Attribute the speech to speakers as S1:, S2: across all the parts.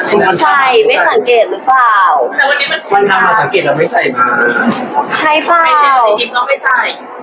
S1: ใส่ไม่สังเกตหรือเปล่า
S2: แต่วันนี้
S3: มันทำมาสังเกตเราไม่ใส่มา
S1: ใช่เปล่า
S2: จริงๆก็ไม่ใส่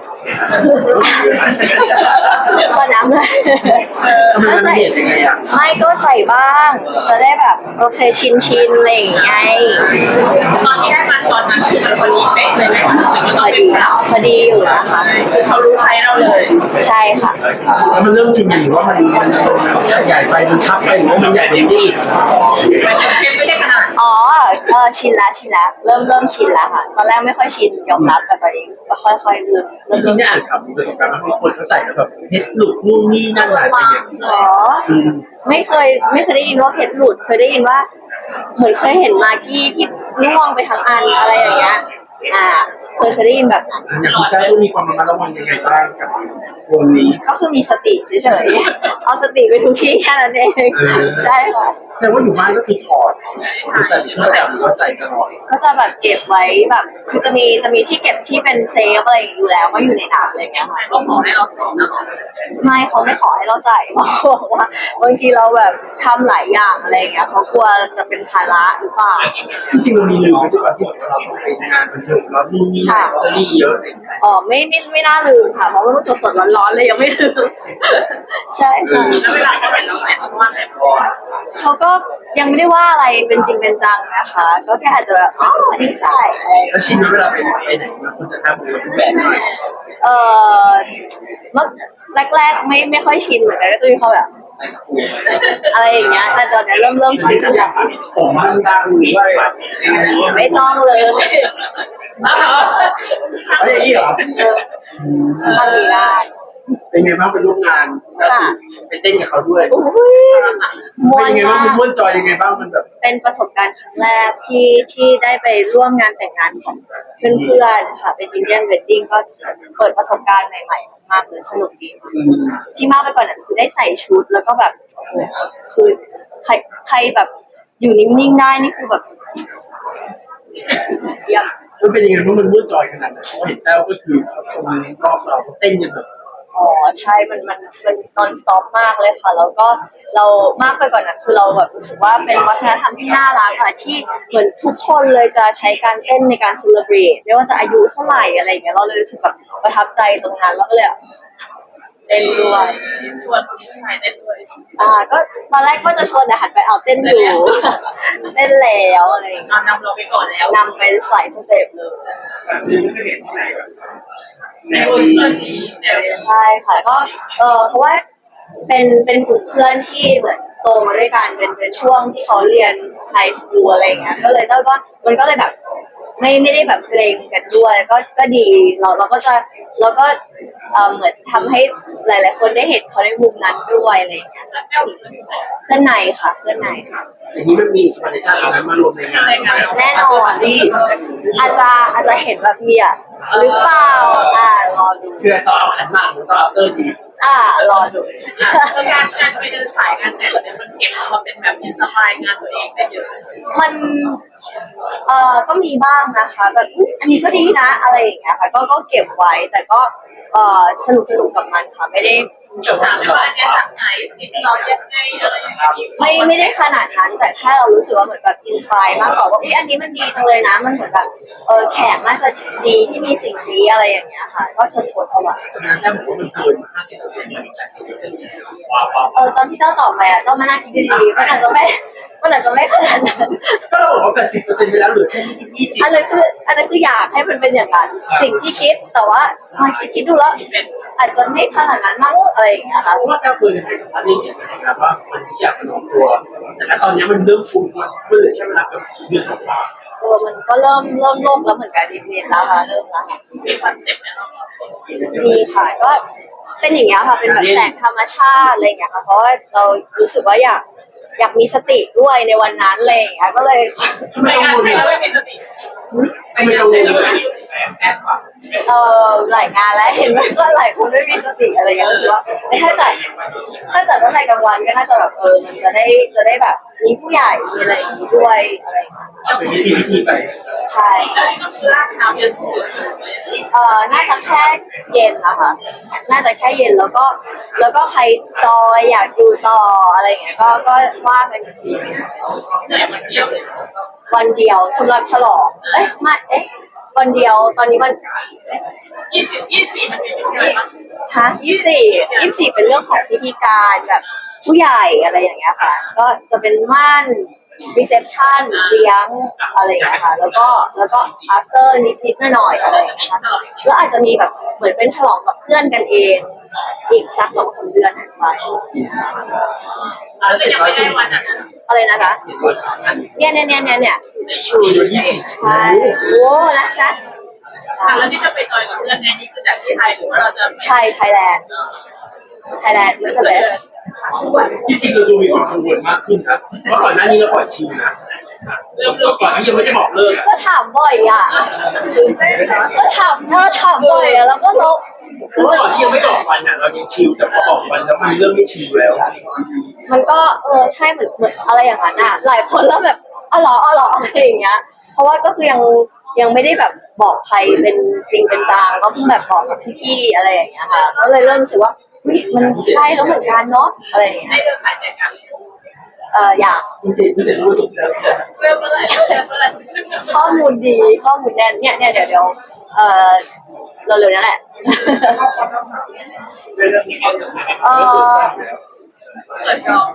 S1: ขอน้ำเลย
S3: ทำไมมันเห็นยังไงอ่ะ
S1: ไม่ก็ใส่บ้าง จะได้แบบโอเคชินอะไรอย่างเงี้ย
S2: ตอนที่ได้มาตอนนั้นคือมันพอดีเป๊ะเลยไหม
S1: พอดีอยู่นะคะ
S2: คือเขารู้ไซส์เราเลย
S1: ใช่ค่ะ
S3: แล้วมันเริ่มชินหรือว่ามันใหญ่ไปมันทับไปหรือว่ามันใหญ่เต็มที่
S2: มันยังไม่ได้ขนาด
S1: อ๋อชินละเริ่มชินแล้วค่ะ ตอนแรกไม่ค่อยชินยอมรับแต่ตอนนี้ก็ค่อยๆเริ่ม
S3: จริงๆได้อ่านข่าวมีประสบการณ์ว่าบางคนเขาใส่แล้วแบบเพชรหลุดนู่นนี่นั่นหลายไปเนี่ย
S1: อ๋อไม่เคยได้ยินว่าเพชรหลุดเคยได้ยินว่าเหมือนเคยเห็นมากกี้ที่ร่วงไปทั้งอันอะไรอย่างเงี้ยเคยได้ยินแบบนั้น
S3: อย่างคุณแจ้ต้องมีความระมัดระวังยังไงบ้างกับวงนี้
S1: ก็คือมีสติเฉยๆเอาสติไปทุกที่แค่นั้นเองใช่ค่ะ
S3: แต่ว่าอยู่บ้านก็คือถอดหรือใส่เพื่อแบบหรือว่าใส่ตลอด
S1: ก็จะแบบเก็บไว้แบบคือจะมีที่เก็บที่เป็นเซฟอะไรอยู่แล้วก็อยู่ในน้ำอะไรอย่างเงี้ยค่ะ
S2: ก็ขอให้เราสอนตลอด
S1: ไม่เขาไม่ขอให้เราใส่เพราะว่าบางทีเราแบบทำหลายอย่างอะไรอย่างเงี้ยเขากลัวจะเป็นภาระหรือเปล่า
S3: จริงๆมันมีลืมไปด้วยที่เราต้องไปงานบันเทิงแล้วนู่นนี่นั่นซีรีส์เยอะเลย
S1: อ๋อไม่น่าลืมค่ะเพราะว่ามันสดๆร้อนๆเลยยังไม่ลืมใช่ค่ะ
S2: แล้วเวลาเขาเห็นเราใส่เขาว่าใส่พอ
S1: เขาก็ยังไม่ได้ว่าอะไรเป็นจริงเป็นจังนะคะ ก็แค่อาจจะแบบอ๋ออันนี้ใส่อะไรอย่างเงี้ย
S3: แล้วชินเวลาไปไหนมันควรจะทำหรือว่าเป็นแบบไหน
S1: เมื่อแรกๆไม่ค่อยชินเหมือนกันก็จะมีความแบบอะไรอย่างเงี้ยแต่ตอนนี้เริ่มชิน
S3: ผมมันดังหรือว่าแบบ
S1: ไม่ต้องเลย
S3: อะไรอย่างนี้เหรอ
S1: ทำไม่ได้
S3: เป็นไงบ้างไปร่วมงานไปเต้นกับเขาด้วย
S1: อุ้ยมว
S3: เป็น
S1: น
S3: ยังไงบ้าง
S1: มาก
S3: ม้วนจอยยังไงบ้างมันแบบ
S1: เป็นประสบการณ์ครั้งแรกที่ได้ไปร่วมงานแต่งงานของเพื่อนๆค่ะเป็นอินเดียนเวดดิ้งก็เปิดประสบการณ์ใหม่ๆมากเลยสนุกดีที่มากไปกว่านั้นคือได้ใส่ชุดแล้วก็แบบโอ้โหคือใครแบบอยู่นิ่งๆได้นี่คือแบบเยี่ยม
S3: มันเป็นยังไงบ้างมันม้วนจอยขนาดไหนเพราะเห็นแต้วก็คือเขาตรงรอบเราเต้นกันแบบ
S1: อ๋อใช่มันนอนสต็อปมากเลยค่ะแล้วก็เรามากไปกว่านั้นคือเราแบบรู้สึกว่าเป็นวัฒนธรรมที่น่ารักค่ะที่เหมือนทุกคนเลยจะใช้การเต้นในการเซเลบรตไม่ว่าจะอายุเท่าไหร่อะไรอย่างเงี้ยเราเลยรู้สึกแบบประทับใจตรงนั้นแล้วก็เลยแบบเต้นด้วย
S2: ชวนผู้ชายเต้นด้วย
S1: ก็ตอนแรกก็จะชวนแต่หันไปเอาเต้นอยู่ เต้นแล้วอะไรอย่างเงี้ย
S2: นำเราไปก่อนแล้ว
S1: นำไปใส่สเต็ปเลย
S3: นี่ไม่เห็นที่ไหนแบบแน
S2: ใน
S3: ว
S2: เวอร์
S3: นี้
S2: ชันนี้แนว
S1: ใช่ค่ะก็เพราะว่าเป็นกลุ่มเพื่อนที่เหมือนโตมาด้วยกันเป็นช่วงที่เขาเรียนไฮสคูลอะไรอย่างเงี้ยก็เลยได้ว่ามันก็เลยแบบไม่ได้แบบเกรงกันด้วยก็ดีเราก็จะเราก็เหมือนทำให้หลายๆคนได้เห็นเขาในมุมนั้นด้วยอะไรอย่างเงี้ย
S2: แก้วหรือไม่ใส่
S1: เพื่อนในค่ะเพื่อนในค่ะ
S3: อย่างนี้มันมีสปาเดชั่นอะไรมารวมในงาน
S1: แน่นอน
S3: นี่
S1: อาจจะเห็นแบบเมียหรือเปล่ารอดู
S3: คือตอนเอาขันหมากหรือตอนเอาเตอร์จีบ
S1: รอดู
S2: การไปเดินสายงานแต่งเนี่ยมันเก็บมาเป็นแบบอินสปายงานตัวเองได้เยอะ
S1: มันก็มีบ้างนะคะแบบอุ๊ยอันนี้ก็ดีนะอะไรอย่างเงี้ยค่ะก็เก็บไว้แต่ก็สนุกกับมันค่ะไม่ได้
S2: เดี๋ยวถามว่าเนี่ยจากไหนติดเรายังไงอะไรอย่างเงี้ย
S1: ไม่ได้ขนาดนั้นแต่แค่เรารู้สึกว่าเหมือนแบบอินสปายมากกว่าว่าอันนี้มันดีจังเลยนะมันเหมือนแบบแขกน่าจะดีที่มีสิ่งนี้อะไรอย่างเงี้ยค่ะ ก็ทนเอาไว้
S3: ตอนนั้นแต้วบอกว่ามันเกิน 50%หรือ80%ว้าว
S1: ตอนที่เจ้าตอบไปต้องมานั่งคิดดีๆมันอาจจะไม่ขนาดนั้น
S3: ก็เราบอกว่า 80%ไปแล้วเหลือแค่20
S1: อันนั้นคืออยากให้มันเป็นอย่างนั้นสิ่งที่คิดแต่ว่ามาคิดดูแล้วอาจจะไม่ขนาดนั้นมั้งอะไรอย่างเงี้ยค่ะ
S3: เพราะว่าแต้วเคยให้สัมภาษณ์นี่เกี่ยวกับว่ามันที่อยากเป็นของตัว แต่ตอนนี้มันเริ่มฟุ้งมันเหลือแค่เวลาเกือบเดือนกว่า
S1: มันก็เริ่มโลกแล้วเหมือนกันนิดๆแล้วค่ะเริ่มแล้วค่ะ
S2: มีคอนเซ็ปต์เนี่ยเรา
S1: ดีค่ะก็เป็นอย่างเงี้ยค่ะเป็นแบบแสงธรรมชาติอะไรอย่างเงี้ยค่ะเพราะว่าเรารู้สึกว่าอยากมีสติด้วยในวันนั้นอะไรอย่างเงี้ยก็เลย
S3: ทำไม
S2: ไม่
S3: ต้อง
S2: งาน
S3: วน
S2: ใครแล้วไม่มีสติ
S3: ทำไมกังวล
S2: แอบก่อน
S1: หลายงานแล้วเห็นว่าก็หลายคนไม่มีสติอะไรเงี้ยรู้สึกว่าถ้าจัดตั้งแต่กลางวันก็น่าจะแบบมันจะได้แบบมีผู้ใหญ่มีอะไรอย่างงี้ด้วยอะไรอย่างเงี้ย
S3: เป็นวิธีไป
S1: ใช่
S2: แล้วนี่ก็คือลากเช้าเย็นถึง
S1: น่าจะแค่เย็นนะคะน่าจะแค่เย็นแล้วก็ใครจอยอยากดูต่ออะไรอย่างเงี้ยก็ว่ากันอีกที
S2: แต่มันเดียวเลย
S1: วันเดียวสำหรับฉลองวันเดียวตอนนี้วัน
S2: 24มันเป็นยังไงบ้าง
S1: ฮะ24เป็นเรื่องของพิธีการแบบผู้ใหญ่อะไรอย่างเงี้ยค่ะ ก็จะเป็นม่านreception เลี้ยงอะไรอย่างเงี้ยค่ะแล้วก็ after นิดหน่อยๆอะไรอย่างเงี้ยค่ะแล้วอาจจะมีแบบเหมือนเป็นฉลองกับเพื่อนกันเอง อีกสัก2-3 เดือนถัดไป
S2: แล้วยังไม่ได้วันนั้น
S1: อะไรนะคะ เนี่ย
S3: อยู่24
S1: ใช่โอ้นะคะ
S2: แล้วที่จะไปจอยกับเพื่อนนี่คือจากที่ไทยหรือว่าเราจะ
S1: ไทยแลนด์ is the best
S3: ที่จริงเราดูมีความกังวลมากขึ้นครับเพราะก่อนหน้านี้เราปล่อยชิลนะ
S2: เริ่ม
S3: ก่อนที่ยังไม่ได้บอกเลิก
S1: ก็ถามบ่อยอ่ะก็ถามบ่อยอ่ะแล้วก็เรา
S3: เพราะก่อนที่ยังไม่บอกวันน่ะเรายังชิลแต่พอบอกวันแล้วมันเริ่มไม่ชิลแล้ว
S1: มันก็ใช่เหมือนอะไรอย่างนั้นอ่ะหลายคนแล้วแบบอ๋อเหรออะไรอย่างเงี้ยเพราะว่าก็คือยังไม่ได้แบบบอกใครเป็นจริงเป็นจังก็เพิ่งแบบบอกกับพี่ๆอะไรอย่างเงี้ยค่ะก็เลยเริ่มรู้สึกว่ามันใช่แล้วเหมือนกันเนาะอะไรอย่างเงี้
S2: ได้
S1: ย
S2: เดินสายแต่กัน
S1: อยาก
S3: จริงๆไม่เสร็จรู้สึกแล้ว
S2: เริ่มเมื่อไหร่
S1: ข้อมูลดีข้อมูลแน่นเนี่ยเดี๋ยวเร็วๆนั่นแหละ
S3: เป็นเรื่องที่เขาสำคัญ
S2: สวยพร้อม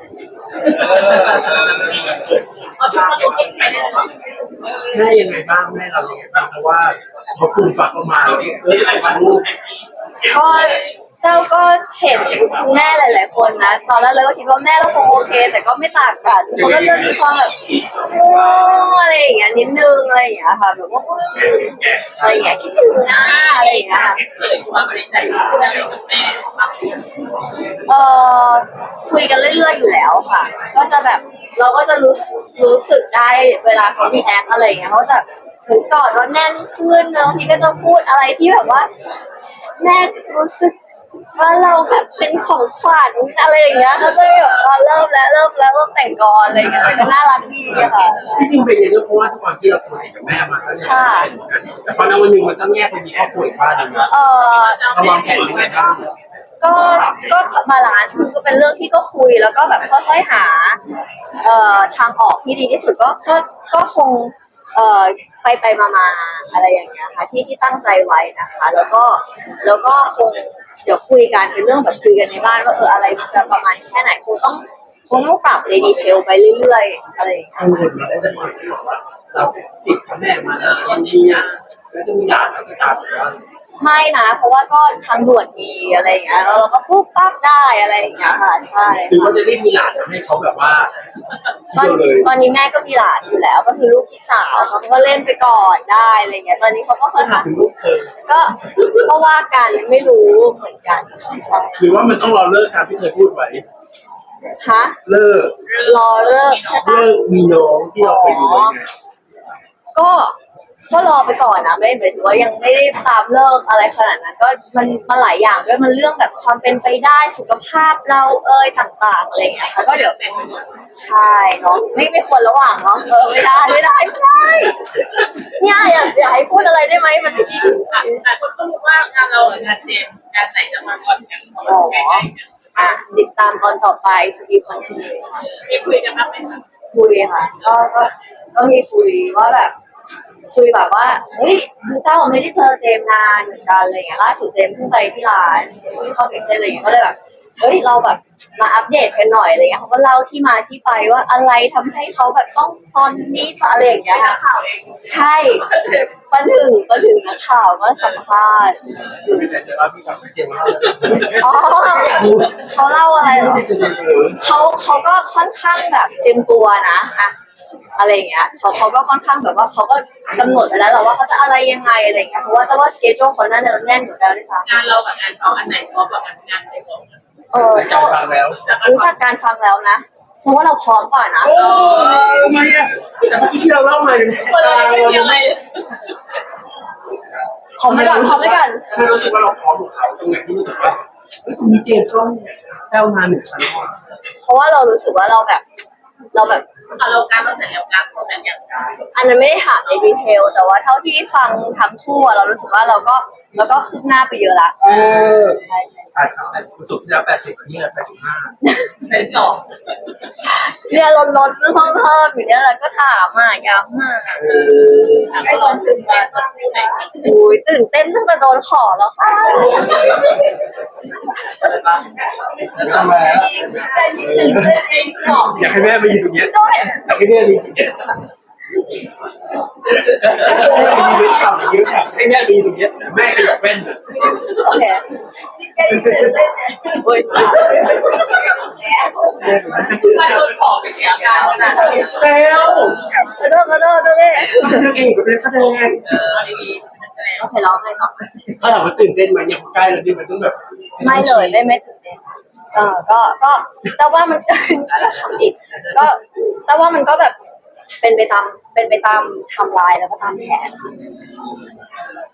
S2: เอาชุดมาลุกไปได้เลย
S3: แม่ยังไงบ้างแม่เรายังไงบ้างเพราะว่าเขาฟูมฝักเข้ามาแล้วอะไรมาลูก
S1: ก็เจ้าก็เห็นคุณแม่หลายๆคนนะตอนแรกเราก็คิดว่าแม่เราคงโอเค แต่ก็ไม่ต่างกันเขาก็จะมีความแบบโอ้อะไรอย่างเงี้ยนิดนึงอะไรอย่างเงี้ยค่ะแบบว่าอะไรอย่างเงี้ยคิดถึงนะอะไรอย่างเงี้ยค่ะ
S2: เกิดความเป็นใจที่ได้กับแม่มากขึ้น
S1: เออคุยกันเรื่อยๆอยู่แล้วค่ะ ก็จะแบบเราก็จะรู้สึกได้เวลาเขามีแอคอะไรอย่างเงี้ยเขาจะถึงกอดเราแน่นขึ้นบางทีก็จะพูดอะไรที่แบบว่า แม่รู้สึกว่าเราแบบเป็นของขวัญอะไรอย่างเงี้ยเขาจะแบบเริ่มแต่งกรอะไรอย่างเงี้ยก็น่ารักดีอะค่ะ
S3: ที่จริงเป็นอย่างนี้เพราะว่าทุกวันที่เราคุยกับแม่มาก็เนี่ยแต่พอในวันหนึ่งมันต้องแยกไปมีครอบครัวอีกบ้านหนึ่งนะเราวางแผนยังไงบ้าง
S1: ก็บาลานซ์มันก็เป็นเรื่องที่ก็คุยแล้วก็แบบค่อยๆหาทางออกที่ดีที่สุดก็คงไปมาอะไรอย่างเงี้ยค่ะที่ตั้งใจไว้นะคะ แล้วก็คงเดี๋ยวคุยกันเป็นเรื่องแบบคุยกันในบ้านว่าอะไรมันจะประมาณแค่ไหนคงต้องปรับในดีเทลไปเรื่อยๆอะไรอย่างเงี้ย
S3: กังวลเราได้มาที่บอกว่าเราติดกับแม่มาแล้วทีเนี้ยแล้วจะมีหลานเราไปตามว่า
S1: ไม่นะเพราะว่าก็ทางด่วนมีอะไรอย่างเงี้ยแล้วเราก็ปุ๊บปั๊บได้อะไรอย่างเงี้ยค่ะใช่
S3: หรือว่าจะรีบมีหลานให้เขาแบบว่า
S1: ตอนนี้แม่ก็มีหลานอยู่แล้ว ก็คือลูกพี่สาวเขาก็เล่นไปก่อนได้อะไรเงี้ยตอนนี้เขาก็ค่อน
S3: ถา
S1: ข้าม ง
S3: ถึงลูกเธอ
S1: ก็ว่ากันไม่รู้เหมือนกันใช่
S3: หรือว่ามันต้องรอเลิกตามที่เคยพูดไว้
S1: ฮะ
S3: เลิก
S1: รอเลิกใช่ปะ
S3: เลิกมีน้องที่เราเคยดูไว้ไง
S1: ก็รอไปก่อนนะไม่หมายถึงว่ายังไม่ได้ตามเลิกอะไรขนาดนั้นก็มันหลายอย่างด้วยมันเรื่องแบบความเป็นไปได้สุขภาพเราต่างๆอะไรอย่างเงี้ยค่ะก็เดี๋ยวใช่เนาะไม่ควรระหว่างเนาะไม่ได้เนี่ยอย่าให้พูดอะไรได้ไหมมันไม่ดี
S2: แต่คนก็รู้ว่างานเรางานเจมงานใส่จะมาก่อนกันเพราะมันใช้ได้
S1: ติดตามตอนต่อไป to be continue ค่ะ
S2: มีคุยกันบ้างไหมคะ
S1: คุยค่ะก็มีคุยว่าแบบคุยแบบว่าเฮ้ยคือเจ้าไม่ได้เจอเจมนานเหมือนกันอะไรเงี้ยล่าสุดเจมเพิ่งไปที่ร้านที่เข้าเก็บเส้นอะไรเงี้ยก็เลยแบบเฮ้ยเราแบบมาอัปเดตกันหน่อยอะไรเงี้ยเขาก็เล่าที่มาที่ไปว่าอะไรทำให้เขาแบบต้องตอนนี้อะไรอย่างเงี้ย
S2: นักข่าวเอง
S1: ใช่ประถึงนักข่าวก็สัมภาษณ์
S3: แต่จะเล่าพี่ฟังไม่เจ็บเล่า
S1: อ๋อเขาเล่าอะไรเหรอ
S3: จะเดินเออ
S1: เขาก็ค่อนข้างแบบเต็มตัวนะอะอะไรอย่างเงี้ยเขาก็ค่อนข้างแบบว่าเขาก็กำหนดไปแล้วแหละว่าเขาจะอะไรยังไงอะไรอย่างเงี้ยเพราะว่าแต่ว่าสเกจโจเขาน่าจะแน่นกว่าเราด้วยซ้ำ
S2: งานเรากับงานเขาอันไหนเพราะแบบงานในของ
S3: จากฟังแล้ว
S1: รู้จักการฟังแล้วนะเพราะว่าเราพร้อมกว่านะ
S3: โอ้ทำไมอ่ะแต่เมื่อกี้ที่เราเล่ามาเนี่ย
S2: คนเราไม่มีอะไร
S1: พร้อมไปก่อนพร้อมไปก่อน
S3: มันรู้สึกว่าเราพร้อมกับเขาตรงไหนที่รู้สึกว่าเฮ้ยมีเจมส์ต้องแต้วมาหนึ่งชั้นก่อน
S1: เพราะว่าเรารู้สึกว่าเราแบบ
S2: เราการเราเสร็จแล้วการเขาเสร็จอย่างไร
S1: อันนั้นไม่ได้ถามในดีเทล แต่ว่าเท่าที่ฟังทั้งคู่อะเรารู้สึกว่าเราก็คืบหน้าไปเยอะละ ใช่
S3: ใช่ครับสุดที่แล้ว80เนี่ย85
S2: เสร็จสอง
S1: เนี่ยลดเพิ่มอยู่เนี่ยแหละก็ถามอ่ะย้ำอ่ะ
S2: ไอ้ตอนตื่นเต้นมากเลย
S1: อุ้ยตื่นเต้นตั้งแต่โดนขอแล้วค่ะ
S3: ทำไมอ่ะ
S2: แต่ยิ่งตื่นเต้นเองหรอ
S3: อยากให้แม่มายืนตรงเนี้ยอยากให้แม่มายืนตรงเนี้ยมีเวทต่ำเยอะอะให้แม่มายืนตรงเนี้ยแม่ขยับแว่น
S1: โอเค อุ้ย
S2: มาโดนของเสียการขนาดนี้
S3: แล้ว
S1: กระโดดด้วย
S3: นางเอกเป็นแสดง
S2: เอาดีๆ
S1: โอเคร้องเลยเนาะ
S3: เขาถามว่าตื่นเต้นไหมเนี่ยใกล้แล้วนี่มันต้องแบบ
S1: ไม่เลยไม่ตื่นเต้นก็แต่ว่ามันทำอีกก็แต่ว่ามันก็แบบเป็นไปตามไทม์ไลน์แล้วก็ตามแผน